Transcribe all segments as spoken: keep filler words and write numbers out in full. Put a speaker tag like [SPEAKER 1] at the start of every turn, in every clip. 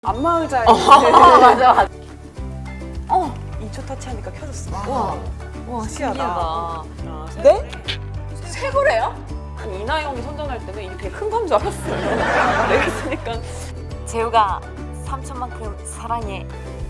[SPEAKER 1] 안마의자에
[SPEAKER 2] 어, 맞아, 맞아.
[SPEAKER 1] 어, 이 초 터치하니까 켜졌어.
[SPEAKER 2] 와, 와,
[SPEAKER 1] 신기하다.
[SPEAKER 2] 신기하다.
[SPEAKER 1] 아,
[SPEAKER 2] 네? 새 거래요?
[SPEAKER 1] 아니, 이나영이 선전할 때는 이게 되게 큰 건 줄 알았어요. 내가 쓰니까.
[SPEAKER 2] 재우가 삼천만큼 사랑해.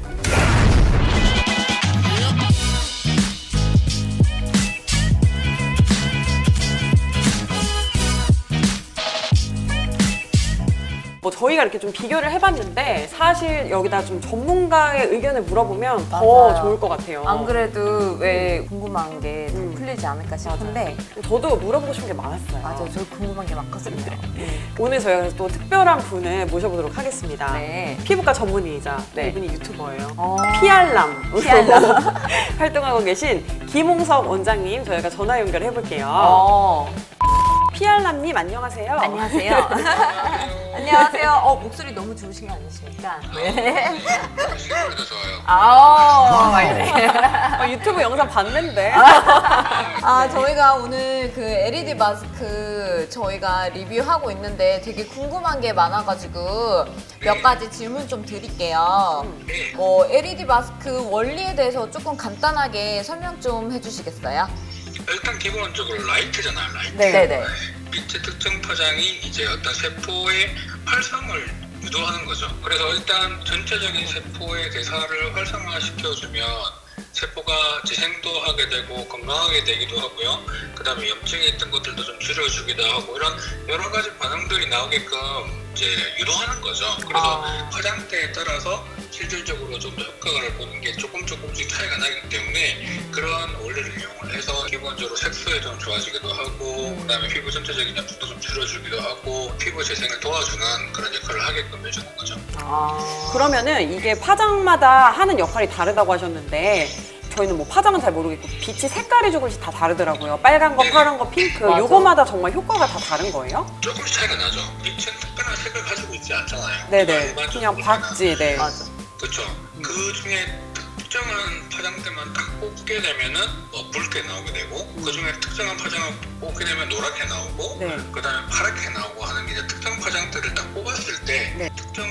[SPEAKER 1] 뭐 저희가 이렇게 좀 비교를 해봤는데 사실 여기다 좀 전문가의 의견을 물어보면 더
[SPEAKER 2] 맞아요.
[SPEAKER 1] 좋을 것 같아요.
[SPEAKER 2] 안 그래도 왜 궁금한 게 더
[SPEAKER 1] 음.
[SPEAKER 2] 풀리지 않을까 싶은데.
[SPEAKER 1] 저도 물어보고 싶은 게 많았어요.
[SPEAKER 2] 맞아요. 저 궁금한 게 많거든요.
[SPEAKER 1] 오늘 저희가 또 특별한 분을 모셔보도록 하겠습니다.
[SPEAKER 2] 네.
[SPEAKER 1] 피부과 전문의이자
[SPEAKER 2] 네.
[SPEAKER 1] 이분이 유튜버예요.
[SPEAKER 2] 어.
[SPEAKER 1] 피알람
[SPEAKER 2] 피알람.
[SPEAKER 1] 활동하고 계신 김홍석 원장님 저희가 전화 연결해 볼게요.
[SPEAKER 2] 어.
[SPEAKER 1] 피알람님 안녕하세요.
[SPEAKER 2] 안녕하세요. 안녕하세요. 어, 목소리 너무 좋으신 거 아니십니까? 네.
[SPEAKER 3] 시골도 좋아요.
[SPEAKER 2] 아, 막 이래.
[SPEAKER 1] 어, 유튜브 영상 봤는데.
[SPEAKER 2] 아, 저희가 오늘 그 엘이디 마스크 저희가 리뷰하고 있는데 되게 궁금한 게 많아가지고 몇 가지 질문 좀 드릴게요. 뭐 엘이디 마스크 원리에 대해서 조금 간단하게 설명 좀 해주시겠어요?
[SPEAKER 3] 일단 기본적으로 라이트잖아요, 라이트.
[SPEAKER 1] 네.
[SPEAKER 2] 네네.
[SPEAKER 3] 빛의 특정 파장이 이제 어떤 세포의 활성을 유도하는 거죠. 그래서 일단 전체적인 세포의 대사를 활성화시켜주면 세포가 재생도 하게 되고 건강하게 되기도 하고요. 그 다음에 염증이 있던 것들도 좀 줄여주기도 하고 이런 여러 가지 반응들이 나오게끔 이제 유도하는 거죠. 그래서
[SPEAKER 1] 아.
[SPEAKER 3] 화장대에 따라서 실질적으로 좀 더 효과를 보는 게 조금 조금씩 차이가 나기 때문에 그런 원리를 이용을 해서 기본적으로 색소에 좀 좋아지기도 하고 그 다음에 피부 전체적인 염증도 좀 줄여주기도 하고 피부 재생을 도와주는 그런 역할을 하게끔 해주는 거죠.
[SPEAKER 2] 아.
[SPEAKER 1] 그러면은 이게 파장마다 하는 역할이 다르다고 하셨는데 저희는 뭐 파장은 잘 모르겠고 빛이 색깔이 조금씩 다 다르더라고요. 빨간 거, 파란 거, 핑크
[SPEAKER 2] 맞아.
[SPEAKER 1] 요거마다 정말 효과가 다 다른 거예요?
[SPEAKER 3] 조금씩 차이가 나죠. 빛은 특별한 색을 가지고 있지 않잖아요.
[SPEAKER 1] 네네.
[SPEAKER 3] 일반적으로
[SPEAKER 1] 그냥
[SPEAKER 3] 보면은.
[SPEAKER 1] 박지, 네.
[SPEAKER 2] 맞아.
[SPEAKER 3] 그렇죠. 그 중에 특정한 파장대만 딱 뽑게 되면은 뭐 붉게 나오게 되고 그 중에 특정한 파장을 뽑게 되면 노랗게 나오고
[SPEAKER 1] 네.
[SPEAKER 3] 그 다음에 파랗게 나오고 하는 게 이제 특정 파장대를 딱 뽑았을 때
[SPEAKER 1] 네.
[SPEAKER 3] 특정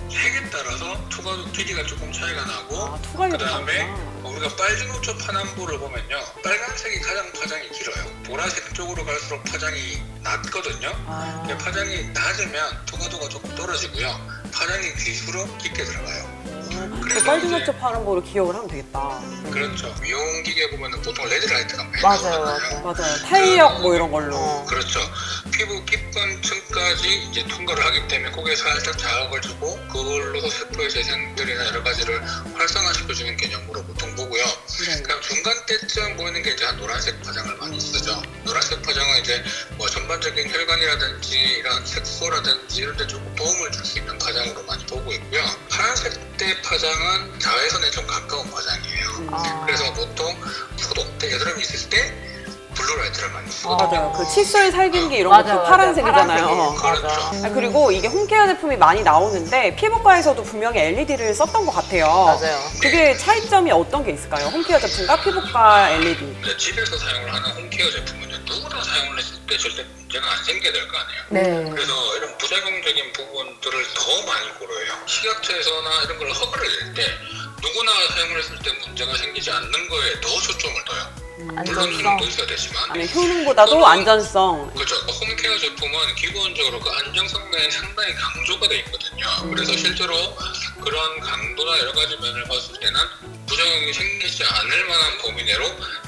[SPEAKER 3] 색에 따라서 투과도 길이가 조금 차이가 나고
[SPEAKER 1] 아, 투과율이
[SPEAKER 3] 그 다음에
[SPEAKER 1] 다르구나.
[SPEAKER 3] 우리가 빨주노초 파남보를 보면요 빨간색이 가장 파장이 길어요. 보라색 쪽으로 갈수록 파장이 낮거든요.
[SPEAKER 1] 아.
[SPEAKER 3] 근데 파장이 낮으면 투과도가 조금 떨어지고요. 파장이 길수록 깊게 들어가요.
[SPEAKER 1] 그
[SPEAKER 3] 그래서
[SPEAKER 1] 빨주노초 파란 거로 기억을 하면 되겠다.
[SPEAKER 3] 그렇죠. 미용기계 보면은 보통 레드라이트가 많이
[SPEAKER 2] 맞아요,
[SPEAKER 3] 나오잖아요.
[SPEAKER 1] 맞아요. 탄력 뭐 이런 걸로.
[SPEAKER 2] 어.
[SPEAKER 3] 그렇죠. 피부 깊은 층까지 이제 통과를 하기 때문에 거기에 살짝 자극을 주고 그걸로서 세포의 재생들이나 여러 가지를 활성화시켜주는 개념으로 보통 보고요.
[SPEAKER 1] 네.
[SPEAKER 3] 그럼 중간 때쯤 보이는 게 이제 한 노란색 파장을 많이 쓰죠. 노란색 파장은 이제 뭐 전반적인 혈관이라든지 이런 색소라든지 이런 데 조금 도움을 줄 수 있는 파장으로 많이 보고 있고요. 파란색 때 파장은 자외선에 좀 가까운 파장이에요.
[SPEAKER 2] 아.
[SPEAKER 3] 그래서 보통 소독 때 여드름이 있을 때 블루라이트를 많이 쓰거든요.
[SPEAKER 1] 맞아요. 그 칫솔 살균기 이런
[SPEAKER 2] 맞아,
[SPEAKER 1] 것도
[SPEAKER 2] 맞아.
[SPEAKER 1] 파란색이잖아요.
[SPEAKER 2] 파란색이에요.
[SPEAKER 3] 그렇죠.
[SPEAKER 2] 맞아.
[SPEAKER 1] 아, 그리고 이게 홈케어 제품이 많이 나오는데 피부과에서도 분명히 엘이디를 썼던 것 같아요.
[SPEAKER 2] 맞아요.
[SPEAKER 1] 그게 차이점이 어떤 게 있을까요? 홈케어 제품과 피부과 엘이디.
[SPEAKER 3] 이제 집에서 사용을 하는 홈케어 제품은 누구나 사용을 했을 때 절대 문제가 안 생겨야 될 거 아니에요.
[SPEAKER 2] 네.
[SPEAKER 3] 그래서 이런 부작용적인 부분들을 더 많이 고려해요. 식약처에서나 이런 걸 허가를 낼 때 누구나 사용을 했을 때 문제가 생기지 않는 거에 더 초점을 둬요. 물론
[SPEAKER 2] 안전성.
[SPEAKER 3] 효능도 있어야 되지만
[SPEAKER 1] 아니, 효능보다도 안전성.
[SPEAKER 3] 그렇죠. 홈케어 제품은 기본적으로 그 안정성 면이 상당히 강조가 돼 있거든요. 그래서 실제로 그런 강도나 여러 가지 면을 봤을 때는 부작용이 생기지 않을 만한 범위 내로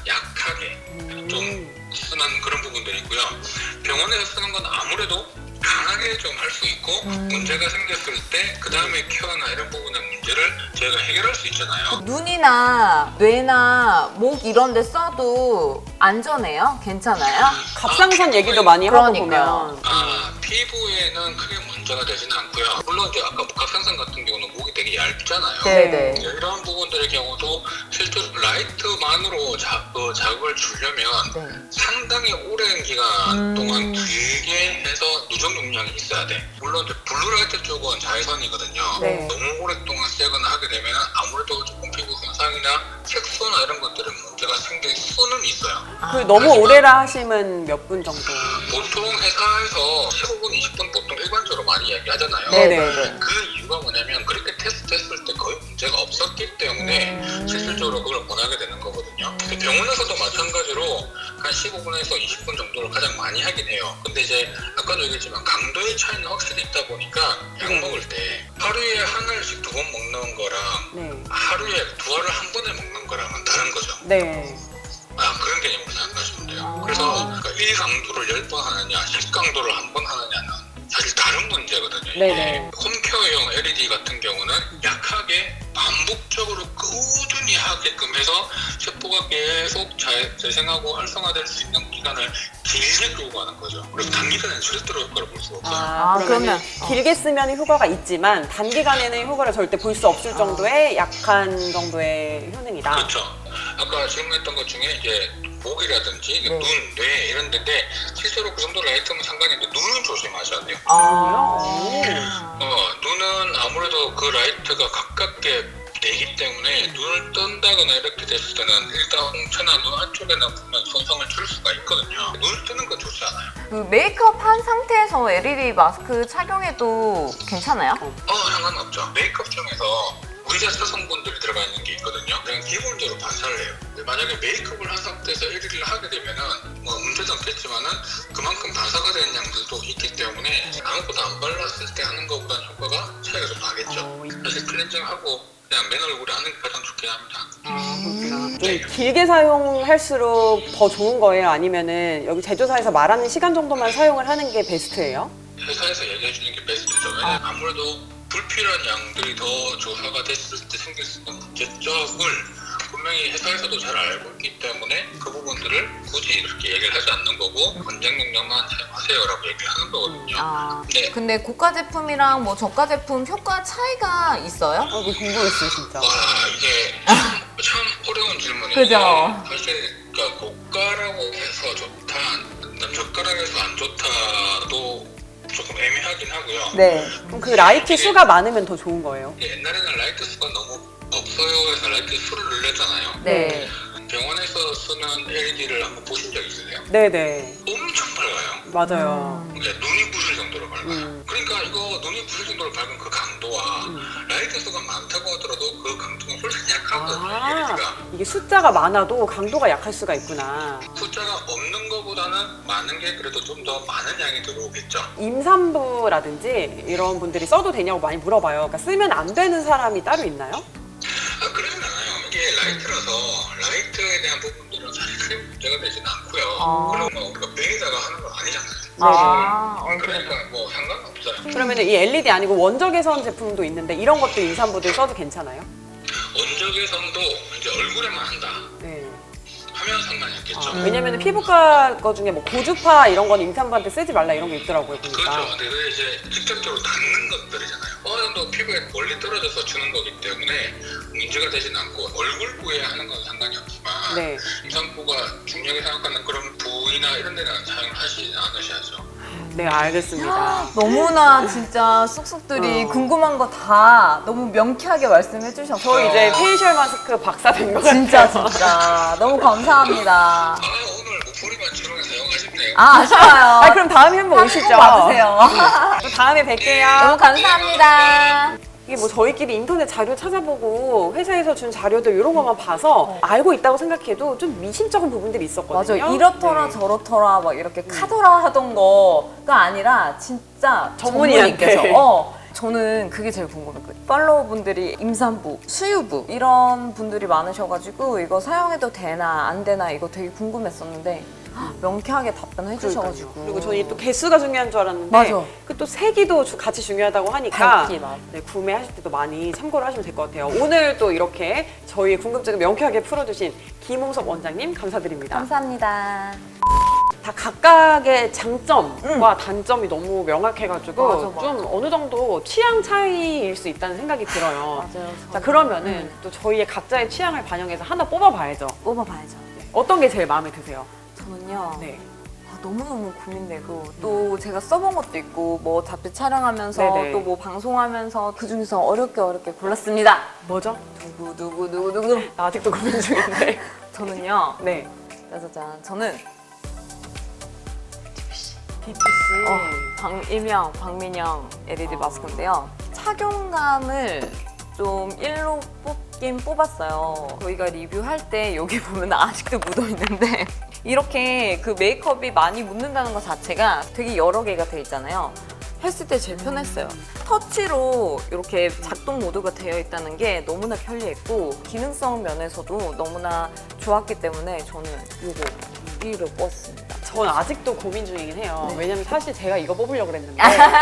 [SPEAKER 3] 약하게 좀 쓰는 그런 부분들이 있고요. 병원에서 쓰는 건 아무래도 강하게 좀 할 수 있고
[SPEAKER 2] 음.
[SPEAKER 3] 문제가 생겼을 때 그 다음에 케어나 이런 부분의 문제를 저희가 해결할 수 있잖아요.
[SPEAKER 2] 눈이나 뇌나 목 이런 데 써도 안전해요? 괜찮아요?
[SPEAKER 1] 갑상선 얘기도 많이 하고
[SPEAKER 2] 그러니까요.
[SPEAKER 1] 보면.
[SPEAKER 3] 아, 피부에는 크게 문제가 되지는 않고요. 물론 이제 아까 갑상선 같은 경우는 목이 되게 얇잖아요.
[SPEAKER 2] 네네.
[SPEAKER 3] 이런 부분들의 경우도 실제로 라이트만으로 자, 그 자극을 주려면
[SPEAKER 2] 네.
[SPEAKER 3] 상당히 오랜 기간
[SPEAKER 2] 음.
[SPEAKER 3] 동안 길게 해서 누적 용량이 있어야 돼. 물론 이제 블루라이트 쪽은 자외선이거든요.
[SPEAKER 1] 네.
[SPEAKER 3] 너무 오랫동안 쐬거나 하게 되면 아무래도 조금 피부 손상이나 색소나 이런 것들에 문제가 생길 수는 있어요.
[SPEAKER 1] 그 너무
[SPEAKER 3] 하지만
[SPEAKER 1] 오래라 하시면 몇 분 정도?
[SPEAKER 3] 보통 회사에서 십오 분, 이십 분 보통 일반적으로 많이 이야기하잖아요.
[SPEAKER 1] 네네.
[SPEAKER 3] 그 이유가 뭐냐면 그렇게 테스트했을 때 거의 문제가 없었기 때문에 음. 실질적으로 그걸 권하게 되는 거거든요. 근데 병원에서도 마찬가지로 한 십오 분에서 이십 분 정도를 가장 많이 하긴 해요. 근데 이제 아까도 얘기했지만 강도의 차이는 확실히 있다 보니까 약 먹을 때 하루에 한 알씩 두 번 먹는 거랑
[SPEAKER 1] 네.
[SPEAKER 3] 하루에 두 알을 한 번에 먹는 거랑은 다른 거죠.
[SPEAKER 1] 네.
[SPEAKER 3] 아, 그런 개념으로 생각하시면 돼요. 그래서 그러니까 일 강도를 열 번 하느냐, 십 강도를 한 번 하느냐는 사실 다른 문제거든요.
[SPEAKER 1] 네네.
[SPEAKER 3] 홈케어용 엘이디 같은 경우는 약하게 반복적으로 꾸준히 하게끔 해서 세포가 계속 잘 재생하고 활성화될 수 있는 기간을 길게 끌고 가는 거죠. 그래서 단기간에는 절대로 효과를 볼 수가 없어요.
[SPEAKER 1] 아,
[SPEAKER 2] 아,
[SPEAKER 1] 그러면
[SPEAKER 2] 그러면-
[SPEAKER 1] 길게 쓰면 효과가 있지만 단기간에는 효과를 절대 볼 수 없을 정도의 약한 정도의 효능이다.
[SPEAKER 3] 그렇죠. 아까 질문했던 것 중에 이제 목이라든지 눈, 뇌 이런 데인데 실제로 그 정도 라이트면 상관이 없는데 눈은 조심하셔야 돼요.
[SPEAKER 2] 아.
[SPEAKER 3] 어, 눈은 아무래도 그 라이트가 가깝게 되기 때문에 눈을 뜬다거나 이렇게 됐을 때는 일단 홍채나 눈 안쪽에는 분명 손상을 줄 수가 있거든요. 눈을 뜨는 건 좋지 않아요.
[SPEAKER 2] 그 메이크업 한 상태에서 엘이디 마스크 착용해도 괜찮아요?
[SPEAKER 3] 어, 상관없죠. 메이크업 중에서 문제사 성분들이 들어가 있는 게 있거든요. 그냥 기본적으로 반사를 해요. 근데 만약에 메이크업을 한 상태에서 엘이디를 하게 되면은 뭐 문제도 없겠지만은 그만큼 반사가 되는 양들도 있기 때문에 아무것도 안 발랐을 때 하는 것보다는 효과가 차이가 좀 나겠죠.
[SPEAKER 1] 어,
[SPEAKER 3] 사실 클렌징하고 그냥 맨 얼굴에 하는 게 가장 좋긴 합니다.
[SPEAKER 1] 좀 길게 사용할수록 더 좋은 거예요? 아니면은 여기 제조사에서 말하는 시간 정도만 사용을 하는 게 베스트예요?
[SPEAKER 3] 회사에서 얘기해 주는 게 베스트죠. 왜냐면 아무래도 불필요한 양들이 더 조사가 됐을 때 생길 수 있는 문제점을 분명히 회사에서도 잘 알고 있기 때문에 그 부분들을 굳이 이렇게 얘기를 하지 않는 거고 권장용량만 사용하세요라고 얘기를 하는 거거든요.
[SPEAKER 2] 아.
[SPEAKER 3] 네.
[SPEAKER 2] 근데 고가 제품이랑 뭐 저가 제품 효과 차이가 있어요?
[SPEAKER 1] 어, 이거 궁금했어요, 진짜.
[SPEAKER 3] 와, 이게 참, 참 어려운 질문인데
[SPEAKER 2] 그죠.
[SPEAKER 3] 사실 그러니까 고가라고 해서 좋다, 그다음 저가라고 해서 안 좋다도 조금 애매하긴 하고요.
[SPEAKER 1] 네. 그럼 그 라이트 수가 많으면 더 좋은 거예요?
[SPEAKER 3] 옛날에는 라이트 수가 너무 없어요 해서 라이트 수를 늘렸잖아요.
[SPEAKER 2] 네.
[SPEAKER 3] 병원에서 쓰는 엘이디를 한번 보신 적 있으세요?
[SPEAKER 1] 네네.
[SPEAKER 3] 엄청 밝아요.
[SPEAKER 1] 맞아요.
[SPEAKER 3] 그러니까 눈이 부실 정도로 밝아요.
[SPEAKER 1] 음.
[SPEAKER 3] 그러니까 이거 눈이 부실 정도로 밝은 그 강도와 라이트 수가 많다고 하더라도 그 강도가 훨씬 약하거든요.
[SPEAKER 1] 아,
[SPEAKER 3] 엘이디가.
[SPEAKER 1] 이게 숫자가 많아도 강도가 약할 수가 있구나.
[SPEAKER 3] 숫자가 없는 것보다는 많은 게 그래도 좀 더 많은 양이 들어오겠죠.
[SPEAKER 1] 임산부라든지 이런 분들이 써도 되냐고 많이 물어봐요. 그러니까 쓰면 안 되는 사람이 따로 있나요?
[SPEAKER 3] 아, 그러진 않아요. 이게 라이트라서 라이트에 대한 부분들은 사실 크게 문제가 되진 않고요.
[SPEAKER 2] 아.
[SPEAKER 3] 그리고 뭐 우리가 매에다가 하는 건 아니잖아요.
[SPEAKER 2] 아, 어, 그래.
[SPEAKER 3] 그러니까 뭐 상관없어요.
[SPEAKER 1] 그러면 이 엘이디 아니고 원적외선 제품도 있는데 이런 것도 임산부들 써도 괜찮아요?
[SPEAKER 3] 원적외선도 이제 얼굴에만 한다
[SPEAKER 1] 네.
[SPEAKER 3] 하면 상관이 없겠죠.
[SPEAKER 1] 아, 왜냐면 피부과 거 중에 뭐 고주파 이런 건 임산부한테 쓰지 말라 이런 게 있더라고요, 보니까.
[SPEAKER 3] 그렇죠. 근데 그게 이제 직접적으로 닿는 것들이잖아요. 어느 정도 피부에 멀리 떨어져서 주는 거기 때문에 문제가 되진 않고 얼굴 부위에 하는 건 상관이 없지만
[SPEAKER 1] 네.
[SPEAKER 3] 임산부가 중요하게 생각하는 그런 부위나 이런 데는 사용을 하시지 않으셔야죠.
[SPEAKER 1] 네, 알겠습니다.
[SPEAKER 2] 너무나 진짜 쑥쑥들이
[SPEAKER 1] 어.
[SPEAKER 2] 궁금한 거 다 너무 명쾌하게 말씀해 주셨어요.
[SPEAKER 1] 저 이제 페이셜 마스크 박사 된 것 같아요.
[SPEAKER 2] 진짜 진짜 너무 감사합니다.
[SPEAKER 3] 아, 오늘 목소리만 치료에 사용하셨네요.
[SPEAKER 2] 아, 아쉬워요.
[SPEAKER 1] 아, 그럼 다음에 한번 오시죠.
[SPEAKER 2] 꼭 와주세요.
[SPEAKER 1] 또 다음에 뵐게요.
[SPEAKER 2] 너무 감사합니다.
[SPEAKER 1] 이게 뭐 저희끼리 인터넷 자료 찾아보고 회사에서 준 자료들 이런 것만 봐서 알고 있다고 생각해도 좀 미심쩍은 부분들이 있었거든요.
[SPEAKER 2] 맞아, 이렇더라
[SPEAKER 1] 네.
[SPEAKER 2] 저렇더라 막 이렇게 카더라 하던 거가 아니라 진짜
[SPEAKER 1] 전문의한테.
[SPEAKER 2] 전문의께서 어, 저는 그게 제일 궁금했거든요. 팔로워분들이 임산부, 수유부 이런 분들이 많으셔가지고 이거 사용해도 되나 안 되나 이거 되게 궁금했었는데 명쾌하게 답변해 주셔가지고.
[SPEAKER 1] 그러니까요. 그리고 저는 또 개수가 중요한 줄 알았는데
[SPEAKER 2] 맞아.
[SPEAKER 1] 그 또 세기도 주- 같이 중요하다고 하니까
[SPEAKER 2] 밝기, 맞아.
[SPEAKER 1] 네, 구매하실 때도 많이 참고를 하시면 될 것 같아요. 오늘 또 이렇게 저희의 궁금증을 명쾌하게 풀어주신 김홍섭 원장님 감사드립니다.
[SPEAKER 2] 감사합니다.
[SPEAKER 1] 다 각각의 장점과 단점이 너무 명확해가지고
[SPEAKER 2] 맞아, 맞아.
[SPEAKER 1] 좀 어느 정도 취향 차이일 수 있다는 생각이 들어요.
[SPEAKER 2] 맞아요.
[SPEAKER 1] 자, 그러면은 또 저희의 각자의 취향을 반영해서 하나 뽑아봐야죠.
[SPEAKER 2] 뽑아봐야죠.
[SPEAKER 1] 어떤 게 제일 마음에 드세요?
[SPEAKER 2] 저는요.
[SPEAKER 1] 네.
[SPEAKER 2] 아, 너무너무 고민되고 또 제가 써본 것도 있고 뭐 잡지 촬영하면서
[SPEAKER 1] 네네.
[SPEAKER 2] 또 뭐 방송하면서 그중에서 어렵게 어렵게 골랐습니다.
[SPEAKER 1] 뭐죠?
[SPEAKER 2] 누구 누구 누구 누구
[SPEAKER 1] 나 아직도 고민 중인데.
[SPEAKER 2] 저는요.
[SPEAKER 1] 네.
[SPEAKER 2] 짜자잔 저는
[SPEAKER 1] 디피씨.
[SPEAKER 2] 어, 박, 일명 박민영 엘이디 마스크인데요. 착용감을 좀 일로 뽑긴 뽑았어요. 저희가 리뷰할 때 여기 보면 아직도 묻어 있는데 이렇게 그 메이크업이 많이 묻는다는 것 자체가 되게 여러 개가 돼 있잖아요. 했을 때 제일 편했어요. 터치로 이렇게 작동 모드가 되어 있다는 게 너무나 편리했고 기능성 면에서도 너무나 좋았기 때문에 저는 이거 일 위로 뽑았습니다.
[SPEAKER 1] 전 아직도 고민 중이긴 해요.
[SPEAKER 2] 네.
[SPEAKER 1] 왜냐면 사실 제가 이거 뽑으려고 그랬는데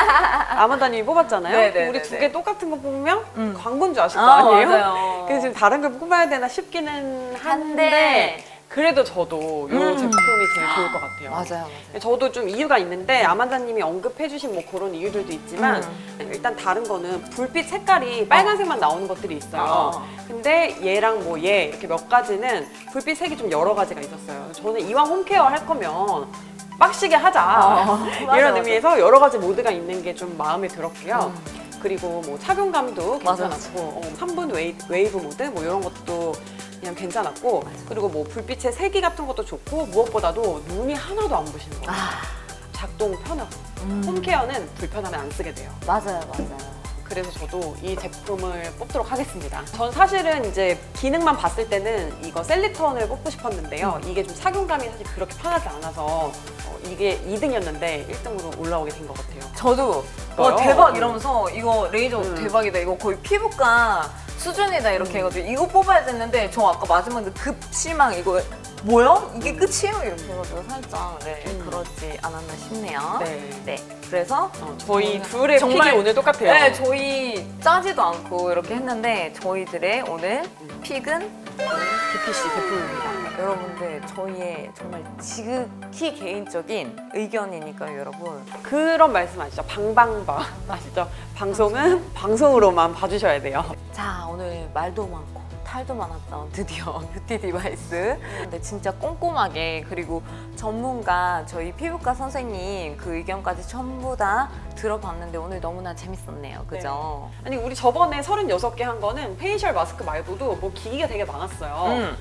[SPEAKER 1] 아만다님이 뽑았잖아요.
[SPEAKER 2] 네네네네.
[SPEAKER 1] 우리 두 개 똑같은 거 뽑으면
[SPEAKER 2] 음.
[SPEAKER 1] 광고인 줄 아실 거
[SPEAKER 2] 아,
[SPEAKER 1] 아니에요?
[SPEAKER 2] 맞아요.
[SPEAKER 1] 그래서 지금 다른 걸 뽑아야 되나 싶기는 한데 그래도 저도 이
[SPEAKER 2] 음.
[SPEAKER 1] 제품이 제일 좋을 것 같아요.
[SPEAKER 2] 맞아요, 맞아요.
[SPEAKER 1] 저도 좀 이유가 있는데 아만다님이 언급해주신 뭐 그런 이유들도 있지만
[SPEAKER 2] 음.
[SPEAKER 1] 일단 다른 거는 불빛 색깔이 빨간색만 나오는 것들이 있어요.
[SPEAKER 2] 어.
[SPEAKER 1] 근데 얘랑 뭐 얘 이렇게 몇 가지는 불빛 색이 좀 여러 가지가 있었어요. 저는 이왕 홈케어 할 거면 빡시게 하자
[SPEAKER 2] 어, 맞아,
[SPEAKER 1] 이런
[SPEAKER 2] 맞아.
[SPEAKER 1] 의미에서 여러 가지 모드가 있는 게 좀 마음에 들었고요.
[SPEAKER 2] 음.
[SPEAKER 1] 그리고 뭐 착용감도
[SPEAKER 2] 맞아,
[SPEAKER 1] 괜찮았고 어, 삼 분 웨이, 웨이브 모드 뭐 이런 것도 그냥 괜찮았고 그리고 뭐 불빛의 세기 같은 것도 좋고 무엇보다도 눈이 하나도 안 부시는 거예요.
[SPEAKER 2] 아,
[SPEAKER 1] 작동 편하고
[SPEAKER 2] 음.
[SPEAKER 1] 홈케어는 불편하면 안 쓰게 돼요.
[SPEAKER 2] 맞아요, 맞아요.
[SPEAKER 1] 그래서 저도 이 제품을 뽑도록 하겠습니다. 전 사실은 이제 기능만 봤을 때는 이거 셀리턴을 뽑고 싶었는데요. 이게 좀 착용감이 사실 그렇게 편하지 않아서 어, 이게 이 등이었는데 일 등으로 올라오게 된 것 같아요.
[SPEAKER 2] 저도
[SPEAKER 1] 뭐요?
[SPEAKER 2] 와 대박
[SPEAKER 1] 음.
[SPEAKER 2] 이러면서 이거 레이저
[SPEAKER 1] 음.
[SPEAKER 2] 대박이다. 이거 거의 피부과 수준이다 이렇게 해가지고 이거 뽑아야 됐는데 저 아까 마지막에 급실망 이거 뭐야? 이게 끝이에요? 이렇게 해가지고 살짝 네,
[SPEAKER 1] 음.
[SPEAKER 2] 그렇지 않았나 싶네요.
[SPEAKER 1] 네.
[SPEAKER 2] 네. 그래서
[SPEAKER 1] 어, 저희
[SPEAKER 2] 저희는
[SPEAKER 1] 둘의
[SPEAKER 2] 정말-
[SPEAKER 1] 픽이 오늘 똑같아요.
[SPEAKER 2] 네, 저희 짜지도 않고 이렇게 했는데 저희들의 오늘 픽은
[SPEAKER 1] 디피씨 제품입니다.
[SPEAKER 2] 여러분들 저희의 정말 지극히 개인적인 의견이니까요, 여러분.
[SPEAKER 1] 그런 말씀 아시죠? 방방바 아시죠? 방송은 방송으로만 봐주셔야 돼요.
[SPEAKER 2] 자, 오늘 말도 많고 탈도 많았던 드디어 뷰티 디바이스. 근데 진짜 꼼꼼하게 그리고 전문가 저희 피부과 선생님 그 의견까지 전부 다 들어봤는데 오늘 너무나 재밌었네요. 그죠?
[SPEAKER 1] 아니 우리 저번에 서른여섯 개 한 거는 페이셜 마스크 말고도 뭐 기기가 되게 많았어요.
[SPEAKER 2] 음.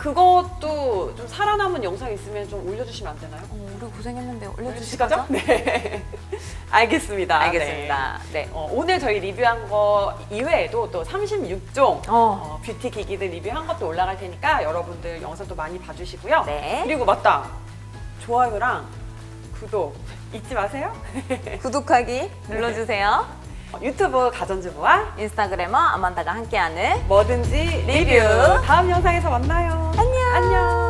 [SPEAKER 1] 그것도 좀 살아남은 영상 있으면 좀 올려주시면 안 되나요?
[SPEAKER 2] 어, 우리 고생했는데 올려주실
[SPEAKER 1] 올려주실
[SPEAKER 2] 거죠?
[SPEAKER 1] 거죠? 네. 알겠습니다.
[SPEAKER 2] 알겠습니다. 네.
[SPEAKER 1] 네. 어, 오늘 저희 리뷰한 거 이외에도 또 삼십육 종
[SPEAKER 2] 어.
[SPEAKER 1] 어, 뷰티 기기들 리뷰한 것도 올라갈 테니까 여러분들 영상도 많이 봐주시고요.
[SPEAKER 2] 네.
[SPEAKER 1] 그리고 맞다. 좋아요랑 구독 잊지 마세요.
[SPEAKER 2] 구독하기 눌러주세요.
[SPEAKER 1] 어, 유튜브 가전주부와
[SPEAKER 2] 인스타그래머 아만다가 함께하는
[SPEAKER 1] 뭐든지 리뷰. 다음 영상에서 만나요. 안녕. 안녕.